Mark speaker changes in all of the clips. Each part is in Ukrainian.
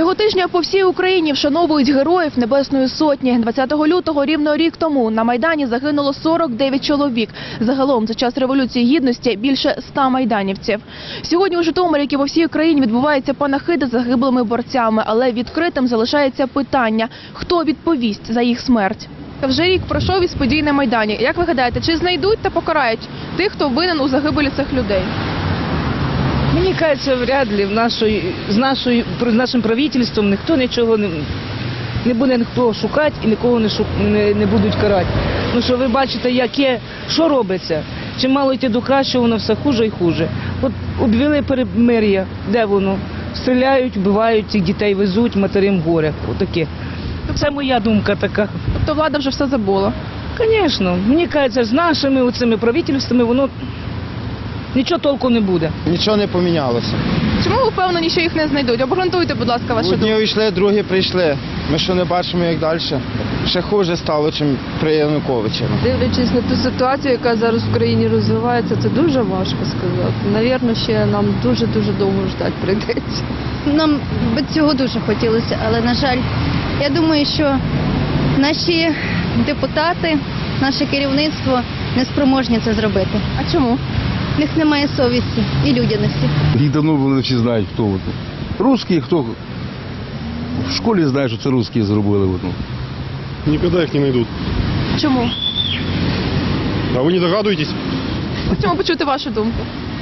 Speaker 1: Цього тижня по всій Україні вшановують героїв Небесної Сотні. 20 лютого, рівно рік тому, на Майдані загинуло 49 чоловік. Загалом за час Революції Гідності більше 100 майданівців. Сьогодні у Житомирі, як і по всій Україні, відбуваються панахиди за загиблими борцями. Але відкритим залишається питання – хто відповість за їх смерть? Вже рік пройшов із подій на Майдані. Як ви гадаєте, чи знайдуть та покарають тих, хто винен у загибелі цих людей?
Speaker 2: Мені кажеться, вряд ли з нашим правительством ніхто нічого не буде ніхто шукати і нікого не будуть карати. Ну що ви бачите, що робиться? Чим мало йти до кращого, воно все хуже і хуже. От обвели перемир'я, де воно? Стріляють, вбивають, цих дітей везуть, матерям горя. Отаке. Це моя думка така.
Speaker 1: Тобто влада вже все забула?
Speaker 2: Звісно. Мені кажеться, з нашими оцими правительствами воно нічого толку не буде.
Speaker 3: Нічого не помінялося.
Speaker 1: Чому ви впевнені, що їх не знайдуть? Обґрунтуйте, будь ласка, вашу думку.
Speaker 3: Одні увійшли, другі прийшли. Ми що не бачимо, як далі? Ще хуже стало, ніж при Януковичі.
Speaker 4: Дивлячись на ту ситуацію, яка зараз в країні розвивається, це дуже важко сказати. Навірно, ще нам дуже-дуже довго ждати прийдеться.
Speaker 5: Нам би цього дуже хотілося, але, на жаль, я думаю, що наші депутати, наше керівництво не спроможні це зробити.
Speaker 1: А чому?
Speaker 5: В них немає совісті і людяності.
Speaker 6: Їх давно вони всі знають, хто вони. Русські, хто в школі знає, що це русські зробили.
Speaker 7: Никогда их не найдут.
Speaker 1: Чому?
Speaker 7: А вы не догадываетесь?
Speaker 1: Хочемо почути вашу думку.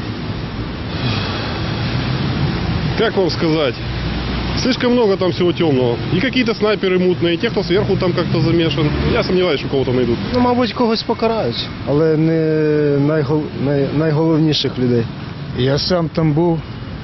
Speaker 7: Как вам сказать? Слишком много там всего темного. И какие-то снайперы мутные, и те, кто сверху там как-то замешан. Я сомневаюсь, что кого-то найдут.
Speaker 3: Ну, мабуть, когось покарають, але не найголовніших людей.
Speaker 8: Я сам там був.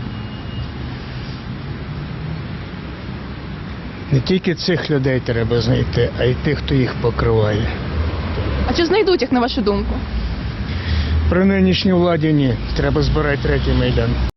Speaker 8: Не тільки цих людей треба знайти, а й тих, хто їх покриває.
Speaker 1: А чи знайдуть їх, на вашу думку?
Speaker 8: При нинішній владі ні. Треба збирати третій Майдан.